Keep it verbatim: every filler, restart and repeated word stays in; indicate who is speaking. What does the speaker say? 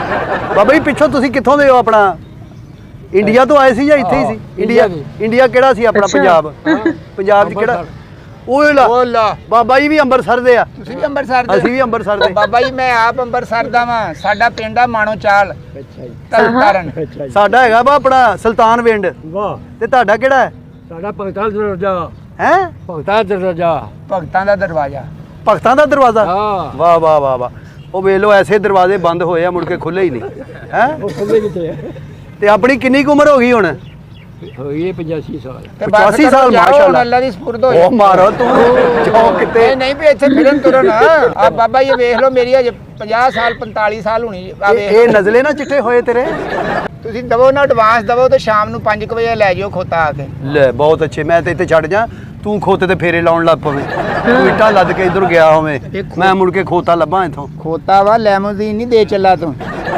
Speaker 1: ਬਾਬਾ ਜੀ ਪਿੱਛੋਂ ਤੁਸੀਂ ਕਿੱਥੋਂ ਦੇ ਹੋ ਆਪਣਾ ਇੰਡੀਆ ਤੋਂ ਆਏ ਸੀ ਜਾਂ ਇੱਥੇ ਹੀ ਸੀ ਇੰਡੀਆ ਇੰਡੀਆ ਕਿਹੜਾ ਸੀ ਆਪਣਾ ਪੰਜਾਬ ਪੰਜਾਬ 'ਚ ਕਿਹੜਾ ਓਏ ਲਾ
Speaker 2: ਓ ਲਾ
Speaker 1: ਬਾਬਾ ਜੀ ਵੀ ਅੰਮ੍ਰਿਤਸਰ ਦੇ ਆ
Speaker 2: ਤੁਸੀਂ ਵੀ ਅੰਮ੍ਰਿਤਸਰ ਦੇ
Speaker 1: ਅਸੀਂ ਵੀ ਅੰਮ੍ਰਿਤਸਰ ਦੇ
Speaker 2: ਬਾਬਾ ਜੀ ਮੈਂ ਆਪ ਅੰਮ੍ਰਿਤਸਰ ਦਾ ਵਾਂ ਸਾਡਾ ਪਿੰਡ ਆ ਮਾਣੋ ਚਾਲ
Speaker 3: ਅੱਛਾ ਜੀ
Speaker 2: ਤਰਨਤਾਰਨ
Speaker 3: ਅੱਛਾ ਜੀ
Speaker 1: ਸਾਡਾ ਹੈਗਾ ਵਾ ਆਪਣਾ ਸੁਲਤਾਨ ਵਿੰਡ
Speaker 3: ਵਾਹ
Speaker 1: ਤੇ ਤੁਹਾਡਾ ਕਿਹੜਾ ਹੈ
Speaker 3: ਸਾਡਾ ਭਗਤਾਂ ਦਾ ਦਰਵਾਜ਼ਾ
Speaker 1: ਹੈ
Speaker 3: ਭਗਤਾਂ ਦਾ ਦਰਵਾਜ਼ਾ
Speaker 2: ਭਗਤਾਂ ਦਾ ਦਰਵਾਜ਼ਾ
Speaker 1: ਭਗਤਾਂ ਦਾ ਦਰਵਾਜ਼ਾ
Speaker 3: ਹਾਂ
Speaker 1: ਵਾਹ ਵਾਹ ਵਾਹ ਵਾਹ ਉਹ ਵੇਖ ਲਓ ਐਸੇ ਦਰਵਾਜ਼ੇ ਬੰਦ ਹੋਏ ਆ ਮੁੜ ਕੇ ਖੁੱਲੇ ਹੀ ਨਹੀਂ ਹੈ
Speaker 3: ਉਹ ਖੁੱਲੇ ਕਿਤੇ
Speaker 1: ਤੇ ਆਪਣੀ ਕਿੰਨੀ ਕੁ ਉਮਰ ਹੋ ਗਈ ਹੁਣ
Speaker 3: ਹੋਈ ਪਚਾਸੀ ਸਾਲ
Speaker 2: ਤੇ ਬਸ
Speaker 1: ਪਚਾਸੀ
Speaker 2: ਕਰੋ,
Speaker 1: ਸਾਲ,
Speaker 2: ਜਾਓ, ਹੁਣ
Speaker 1: ਮਾਸ਼ਾਅੱਲਾ।
Speaker 2: ਅੱਲਾ ਦੀ ਸਪੁਰਦ ਹੋ
Speaker 1: ਉਹ
Speaker 2: ਜਾਓ
Speaker 1: ਮਾਰੋ ਤੂੰ ਜੋ ਕਿਤੇ
Speaker 2: ਇਹ ਨਹੀਂ ਵੀ ਇੱਥੇ ਫਿਰਨ ਤੁਰਨ ਆ ਬਾਬਾ ਜੀ ਵੇਖ ਲਓ ਮੇਰੀ ਅਜੇ ਪੰਜਾਹ ਸਾਲ ਪੰਤਾਲੀ ਸਾਲ ਹੋਣੀ ਆ
Speaker 1: ਇਹ
Speaker 2: ਵੇਖ
Speaker 1: ਇਹ ਨਜ਼ਲੇ ਨਾ ਚਿੱਟੇ ਹੋਏ ਤੇਰੇ
Speaker 2: ਤੁਸੀਂ ਦਵੋ ਨਾ ਐਡਵਾਂਸ ਦਵੋ ਤੇ ਸ਼ਾਮ ਨੂੰ ਪੰਜ ਵਜੇ ਲੈ ਜਿਓ ਖੋਤਾ ਆ ਕੇ
Speaker 1: ਲੈ ਬਹੁਤ ਅੱਛੇ ਮੈਂ ਤੇ ਇੱਥੇ ਛੱਡ ਜਾ ਤੂੰ ਖੋਤੇ ਤੇ ਫੇਰੇ ਲਾਉਣ ਲੱਗ ਪਵੇਂ ਤੂੰ ਇੱਟਾਂ ਲੱਦ ਕੇ ਇਧਰ ਗਿਆ ਹੋਵੇਂ
Speaker 2: ਇਹ ਖੋ-
Speaker 1: ਮੈਂ ਮੁੜ ਕੇ ਖੋਤਾ ਲੱਭਾਂ ਇੱਥੋਂ
Speaker 2: ਖੋਤਾ ਵਾ ਲੈਮੋਜ਼ੀਨ ਨਹੀਂ ਦੇ ਚੱਲਾ ਤੂੰ